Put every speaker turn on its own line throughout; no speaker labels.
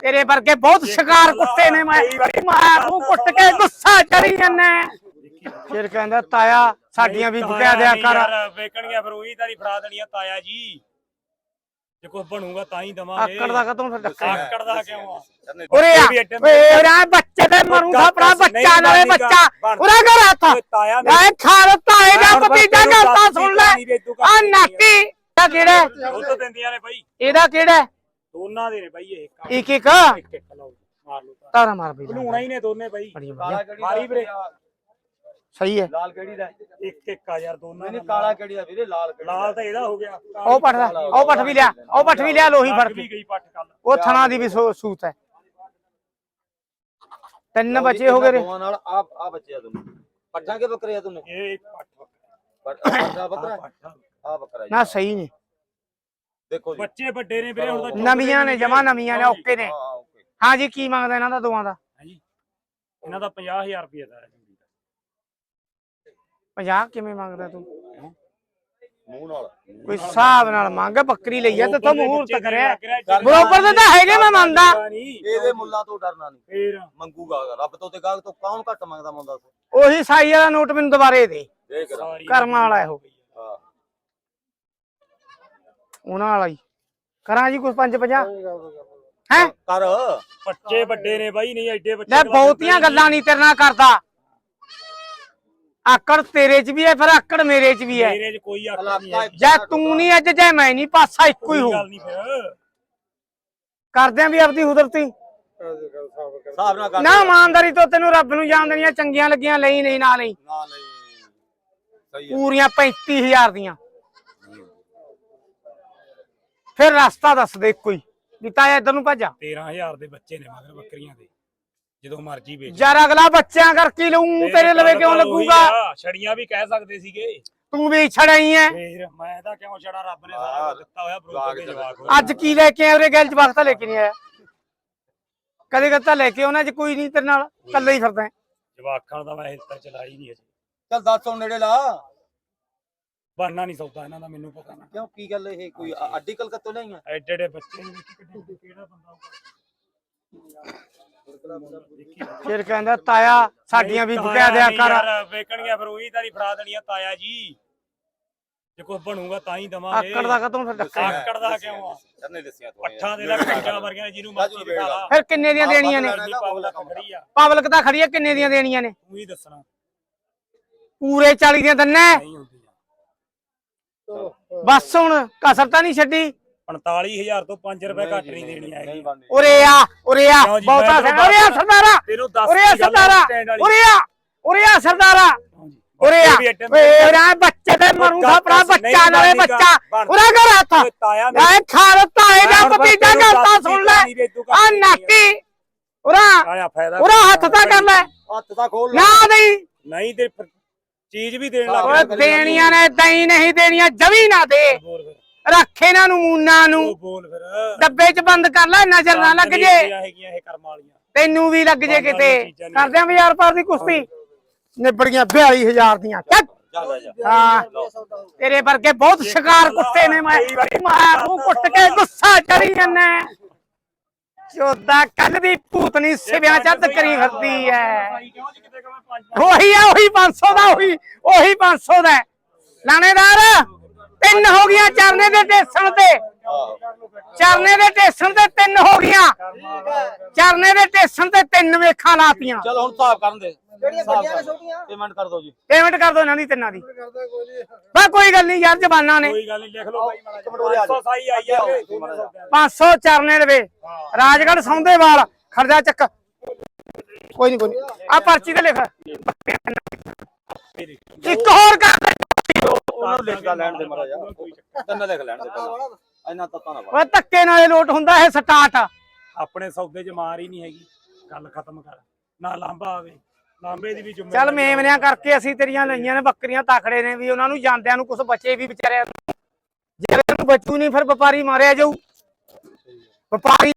तेरे वर्गे बहुत शिकार कुत्ते ने मैं तू कुट के गुस्सा चढ़ी जाना फिर कहंदा ताया साडियां भी बुका दिया कर
ਵੇਚਣੀਆਂ ਫਿਰ ਉਹੀ ਤਾਰੀ ਫੜਾ ਦੇਣੀਆਂ ਤਾਇਆ ਜੀ ਜੇ ਕੁਝ ਬਣੂਗਾ ਤਾਂ ਹੀ ਦਵਾਂਗੇ
ਆਕੜ ਦਾ ਕਦੋਂ ਫਿਰ ਡੱਕਾ
ਆਕੜ ਦਾ ਕਿਉਂ ਆ
ਉਰੇ ਆ ਓਏ ਬੱਚੇ ਤੇ ਮਰੂੰਗਾ ਆਪਣਾ ਬੱਚਾ ਨਾਲੇ ਬੱਚਾ ਉਰੇ ਘਰ ਹੱਥ ਐ ਖਾਲ ਤਾਏ ਦਾ ਭਤੀਜਾ ਕਰਤਾ ਸੁਣ ਲੈ ਆ ਨਾਕੀ ਦਾ ਕਿਹੜਾ
ਉਹ ਤਾਂ ਦਿੰਦੀਆਂ ਨੇ ਬਾਈ
ਇਹਦਾ ਕਿਹੜਾ
ਦੋਨਾਂ ਦੇ ਨੇ ਬਾਈ ਇਹ
ਇੱਕ
ਇੱਕ ਲਓ ਮਾਰ ਲਓ
ਤਾਰਾ ਮਾਰ ਬਈ
ਬਣਾਉਣਾ ਹੀ ਨੇ ਦੋਨੇ ਬਾਈ ਮਾਰੀ ਵੀਰੇ
ਸਹੀ ਹੈ
ਲਾਲ ਕਿਹੜੀ ਦਾ
ਇੱਕ ਆ ਯਾਰ ਦੋਨਾਂ
ਨਹੀਂ ਕਾਲਾ ਕਿਹੜੀ ਦਾ ਵੀਰੇ ਲਾਲ
ਲਾਲ ਤਾਂ ਇਹਦਾ ਹੋ ਗਿਆ
ਉਹ ਪੱਠ ਵੀ ਲਿਆ ਉਹ ਪੱਠ ਵੀ ਲਿਆ ਲੋਹੀ ਫੜ ਕੇ
ਗਈ ਪੱਠ ਕੱਲ
ਉਹ ਥਣਾ ਦੀ ਵੀ ਸੂਤ ਹੈ ਤਿੰਨ ਬੱਚੇ ਹੋ ਗਏ
ਦੋਵਾਂ ਨਾਲ ਆ ਬੱਚੇ ਆ ਦੋਨੋਂ ਪੱਠਾਂ ਕੇ ਬੱਕਰੇ ਆ ਦੋਨੇ
ਇਹ
ਪੱਠਾ ਬੱਕਰਾ ਆ ਬੱਕਰਾ
ਨਾ ਸਹੀ ਨੇ
ਦੇਖੋ ਜੀ
ਬੱਚੇ ਵੱਡੇ ਨੇ ਵੀਰੇ ਹੁਣ ਤਾਂ
ਨਵੀਆਂ ਨੇ ਜਮਾ ਨਵੀਆਂ ਨੇ ਓਕੇ ਨੇ ਹਾਂ ਜੀ ਕੀ ਮੰਗਦਾ ਇਹਨਾਂ ਦਾ ਦੋਵਾਂ ਦਾ
ਹਾਂਜੀ ਇਹਨਾਂ ਦਾ 50000 ਰੁਪਏ ਦਾ
50 ਕਿਵੇਂ ਮੰਗਦਾ ਤੂੰ
ਮੂੰਹ ਨਾਲ
ਕੋਈ ਹਿਸਾਬ ਨਾਲ ਮੰਗ ਬੱਕਰੀ ਲਈ ਆ ਤੇ ਤੂੰ ਮਹੂਰਤ ਕਰਿਆ ਬਰੋਬਰ ਦੇ ਤਾਂ ਹੈਗੇ ਮੈਂ ਮੰਨਦਾ
ਇਹਦੇ ਮੁੱਲਾਂ ਤੋਂ ਡਰਨਾ ਨਹੀਂ
ਫੇਰ
ਮੰਗੂਗਾ ਰੱਬ ਤੋਂ ਤੇ ਗਾਹਕ ਤੋਂ ਕੌਣ ਘੱਟ ਮੰਗਦਾ ਮੁੰਡਾ
ਉਹੀ ਸਾਈ ਵਾਲਾ ਨੋਟ ਮੈਨੂੰ ਦੁਬਾਰੇ ਦੇ
ਦੇਖ
ਕਰਮ ਵਾਲਾ ਇਹੋ
ਹਾਂ
ਉਹਨਾਂ ਵਾਲਾ ਹੀ ਕਰਾਂ ਜੀ ਕੁਝ 5-50 ਹੈ
ਕਰ
ਬੱਚੇ ਵੱਡੇ ਨੇ ਬਾਈ ਨਹੀਂ ਐਡੇ ਬੱਚੇ
ਲੈ ਬਹੁਤੀਆਂ ਗੱਲਾਂ ਨਹੀਂ ਤੇਰੇ ਨਾਲ ਕਰਦਾ ਆਕੜ ਤੇਰੇ 'ਚ ਵੀ ਹੈ ਫਿਰ ਆਕੜ ਮੇਰੇ 'ਚ ਵੀ ਹੈ
ਮੇਰੇ 'ਚ ਕੋਈ ਆਕੜ ਨਹੀਂ
ਜੇ ਤੂੰ ਨਹੀਂ ਅੱਜ ਜੇ ਮੈਂ ਨਹੀਂ ਪਾਸਾ ਇੱਕੋ ਹੀ ਹੋ
ਗੱਲ ਨਹੀਂ ਫਿਰ
ਕਰਦੇ ਆਂ ਵੀ ਆਪਦੀ ਕੁਦਰਤੀ
ਹਿਸਾਬ ਨਾਲ ਕਰ
ਨਾ ਇਮਾਨਦਾਰੀ ਤੋਂ ਤੈਨੂੰ ਰੱਬ ਨੂੰ ਜਾਣ ਦੇਣੀਆਂ ਚੰਗੀਆਂ ਲੱਗੀਆਂ ਲਈ ਨਹੀਂ ਨਾ ਲਈ
ਨਾ ਨਹੀਂ ਸਹੀ ਹੈ
ਪੂਰੀਆਂ 35000 ਦੀਆਂ ਫਿਰ ਰਸਤਾ ਦੱਸ ਦੇ ਇੱਕੋ ਹੀ ਵੀ ਤਾਇਆ ਇੱਧਰ ਨੂੰ ਭੱਜਾ
13000 ਦੇ ਬੱਚੇ ਨੇ ਮਗਰ ਬੱਕਰੀਆਂ ਦੇ ਜਦੋਂ ਮਰਜੀ ਵੇਚ
ਯਾਰ ਅਗਲਾ ਬੱਚਿਆਂ ਕਰਕੇ ਲਊਂ ਤੇਰੇ ਲਵੇ ਕਿਉਂ ਲੱਗੂਗਾ
ਛੜੀਆਂ ਵੀ ਕਹਿ ਸਕਦੇ ਸੀਗੇ
ਤੂੰ ਵੀ ਛੜਾਈ ਐ
ਫੇਰ ਮੈਂ ਤਾਂ ਕਿਉਂ ਛੜਾ ਰੱਬ ਨੇ ਸਾਰਾ ਦਿੱਤਾ ਹੋਇਆ ਬਰੋਬਰ ਦੇ ਜਵਾਕ
ਅੱਜ ਕੀ ਲੈ ਕੇ ਆਇਆ ਉਹਦੇ ਗੱਲ ਜਵਾਕ ਤਾਂ ਲੈ ਕੇ ਨਹੀਂ ਆਇਆ ਕਦੇ ਕਦੇ ਤਾਂ ਲੈ ਕੇ ਉਹਨਾਂ 'ਚ ਕੋਈ ਨਹੀਂ ਤੇਰੇ ਨਾਲ ਇਕੱਲਾ ਹੀ ਫਿਰਦਾ
ਜਵਾਕਾਂ ਦਾ ਮੈਂ ਹਿਲਤਾ ਚਲਾਈ ਨਹੀਂ ਅਜੇ
ਚੱਲ ਦੱਸ ਹੁਣ ਨੇੜੇ ਲਾ
ਬਣਨਾ ਨਹੀਂ ਸੌਦਾ ਇਹਨਾਂ ਦਾ ਮੈਨੂੰ ਪਤਾ ਨਾ
ਕਿਉਂ ਕੀ ਗੱਲ ਇਹ ਕੋਈ ਅੱਡੀ ਕਲਕੱਤੋਂ ਲਿਆਈਆਂ
ਐਡੇ ਐਡੇ ਬੱਚੇ ਨੇ ਕਿਹੜਾ ਬੰਦਾ
ਫਿਰ ਕਹਿੰਦਾ ਤਾਇਆ ਸਾਡੀਆਂ ਵੀ ਬੁਕਾ ਦਿਆ ਕਰ
ਵੇਚਣੀਆਂ ਫਿਰ ਉਹੀ ਤਾਰੀ ਫੜਾ ਦੇਣੀਆਂ ਤਾਇਆ ਜੀ ਜੇ ਕੁਝ ਬਣੂਗਾ ਤਾਂ ਹੀ ਦਵਾਂਗੇ
ਆਕੜ ਦਾ ਕਦੋਂ ਫਿਰ ਡੱਕਾ
ਆਕੜ ਦਾ ਕਿਉਂ ਆ
ਚੰਨੇ ਦੱਸਿਆ ਤੂੰ
ਪੱਠਾਂ ਦੇ ਲੱਗ ਕੰਜਾਂ ਵਰਗੀਆਂ ਜਿਹਨੂੰ ਮਰਜ਼ੀ ਦਿਖਾ ਲਾ
ਫਿਰ ਕਿੰਨੇ ਦੀਆਂ ਦੇਣੀਆਂ ਨੇ
ਪਬਲਿਕ ਖੜੀ ਆ
ਪਬਲਿਕ ਤਾਂ ਖੜੀ ਆ ਕਿੰਨੇ ਦੀਆਂ ਦੇਣੀਆਂ ਨੇ
ਤੂੰ ਹੀ ਦੱਸਣਾ
ਪੂਰੇ 40 ਦੀਆਂ ਦੰਨੇ
ਨਹੀਂ ਹੁੰਦੀਆਂ
ਬਸ ਹੁਣ ਕਸਰ ਤਾਂ ਨਹੀਂ ਛੱਡੀ
45000 ਤੋਂ 5 ਰੁਪਏ ਘੱਟ ਨਹੀਂ ਦੇਣੀ ਆਏਗੀ
ਉਰੇ ਆ ਬਹੁਤਾ ਉਰੇ ਆ ਸਰਦਾਰਾ
ਤੈਨੂੰ ਦੱਸ
ਉਰੇ ਆ ਸਰਦਾਰਾ ਉਰੇ ਆ ਸਰਦਾਰਾ ਉਰੇ ਆ ਓਏ ਬੱਚੇ ਤੇ ਮਰੂੰਗਾ ਆਪਣਾ ਬੱਚਾ ਨਾਲੇ ਬੱਚਾ ਉਰੇ ਘਰ ਹੱਥ ਐ ਖਾਲ ਤਾਏ ਦਾ ਭਤੀਜਾ ਕਰਤਾ ਸੁਣ ਲੈ ਆ ਨਾਕੀ ਉਰਾ ਹੱਥ ਤਾਂ ਕਰ ਲੈ
ਹੱਥ ਤਾਂ ਖੋਲ
ਨਾ
ਨਹੀਂ
ਤੇ ਚੀਜ਼ ਵੀ ਦੇਣ ਲੱਗ
ਓਏ ਦੇਣੀਆਂ ਨੇ ਦਈ ਨਹੀਂ ਦੇਣੀਆਂ ਜਵੀ ਨਾ ਦੇ ਰੱਖ ਇਹਨਾਂ ਨੂੰ ਮੂਨਾ ਨੂੰ
ਬੋਲ ਫਿਰ
ਡੱਬੇ 'ਚ ਬੰਦ ਕਰ ਲੈ ਨਜ਼ਰ ਨਾ ਲੱਗ ਜੇ
ਹੈਗੀਆਂ ਇਹ ਕਰਮ ਵਾਲੀਆਂ
ਤੈਨੂੰ ਵੀ ਲੱਗ ਜੇ ਕਿਤੇ ਕਰਦੇ ਆਂ ਬਾਜ਼ਾਰ ਪਾਰ ਦੀ ਕੁਸ਼ਤੀ ਨਿਬੜੀਆਂ 42000 ਦੀਆਂ ਹਾਂ ਤੇਰੇ ਵਰਗੇ ਬਹੁਤ ਸ਼ਿਕਾਰ ਕੁੱਤੇ ਨੇ ਮੈਂ ਤੂੰ ਕੁੱਟ ਕੇ ਗੁੱਸਾ ਚੜੀ ਜਾਂਦਾ ਚੋਦਾ ਕੱਲ ਦੀ ਭੂਤਨੀ ਸਿਵਿਆਂ ਚੱਦ ਕਰੀ ਫਿਰਦੀ ਐ ਉਹੀ 500 ਦਾ ਉਹੀ 500 ਦਾ ਲਾਣੇਦਾਰ ਤਿੰਨ ਹੋ ਗਈਆਂ ਚਰਨੇ ਦੇ ਟੇਸਣ ਤੇ ਚਰਨੇ ਦੇ ਟੇਸਣ ਤੇ ਤਿੰਨ ਹੋ ਗਈਆਂ ਚਰਨੇ ਦੇ ਟੇਸਣ ਤੇ ਤਿੰਨ ਵੇਖਾਂ ਲਾਤੀਆਂ
ਚਲ ਹੁਣ ਹਿਸਾਬ ਕਰਨ ਦੇ ਜਿਹੜੀਆਂ ਵੱਡੀਆਂ ਨੇ ਛੋਟੀਆਂ ਪੇਮੈਂਟ ਕਰ ਦਿਓ ਜੀ
ਪੇਮੈਂਟ ਕਰ ਦਿਓ ਇਹਨਾਂ ਦੀ ਤਿੰਨਾਂ ਦੀ ਬਸ ਕੋਈ ਗੱਲ ਨਹੀਂ ਯਾਰ ਜ਼ਬਾਨਾਂ ਨੇ
ਕੋਈ ਗੱਲ ਨਹੀਂ ਲਿਖ ਲਓ ਬਾਈ 500 ਸਾਈ ਆਈ ਆ
500 ਚਰਨੇ ਲਵੇ ਰਾਜਗੜ੍ਹ ਸੌਂਦੇਵਾਲ ਖਰਜਾ ਚੱਕ ਕੋਈ ਨਹੀਂ ਆ ਪਰਚੀ ਤੇ ਲਿਖ ਇੱਕ ਹੋਰ ਕਰ
ਉਹਨਾਂ ਨੂੰ ਲਿਖਦਾ ਲੈਣ ਦੇ ਮਾਰਾ ਯਾਰ ਤੈਨੂੰ ਲਿਖ ਲੈਣ ਦੇ ਪਹਿਲਾਂ ਇੰਨਾ ਤੱਤਾ ਨਾ
ਓਏ ਧੱਕੇ ਨਾਲੇ ਲੋਟ ਹੁੰਦਾ ਇਹ ਸਟਾਰਟ
ਆਪਣੇ ਸੌਦੇ 'ਚ ਮਾਰ ਹੀ ਨਹੀਂ ਹੈਗੀ ਗੱਲ ਖਤਮ ਕਰ ਨਾ ਲਾਂਬਾ ਆਵੇ ਲਾਂਬੇ ਦੀ ਵੀ ਜ਼ਿੰਮੇਵਾਰੀ
ਚੱਲ ਮੇਮਨਿਆਂ ਕਰਕੇ ਅਸੀਂ ਤੇਰੀਆਂ ਲਈਆਂ ਨੇ ਬੱਕਰੀਆਂ ਤਾਖੜੇ ਨੇ ਵੀ ਉਹਨਾਂ ਨੂੰ ਜਾਂਦਿਆਂ ਨੂੰ ਕੁਝ ਬਚੇ ਵੀ ਵਿਚਾਰਿਆਂ ਨੂੰ ਜੇ ਨੂੰ ਬਚੂ ਨਹੀਂ ਫਿਰ ਵਪਾਰੀ ਮਾਰਿਆ ਜਾਊ ਵਪਾਰੀ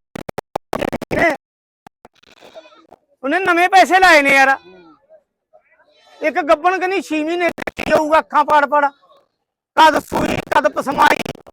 ਉਹਨੇ ਨਵੇਂ ਪੈਸੇ ਲਾਏ ਨੇ ਯਾਰ ਇੱਕ ਗੱਬਣ ਕਹਿੰਦੀ 6 ਮਹੀਨੇ ਜਾਊਗਾ ਅੱਖਾਂ ਪਾੜ ਕਦ ਸੂਈ ਕਦ ਪਸਮਾਈ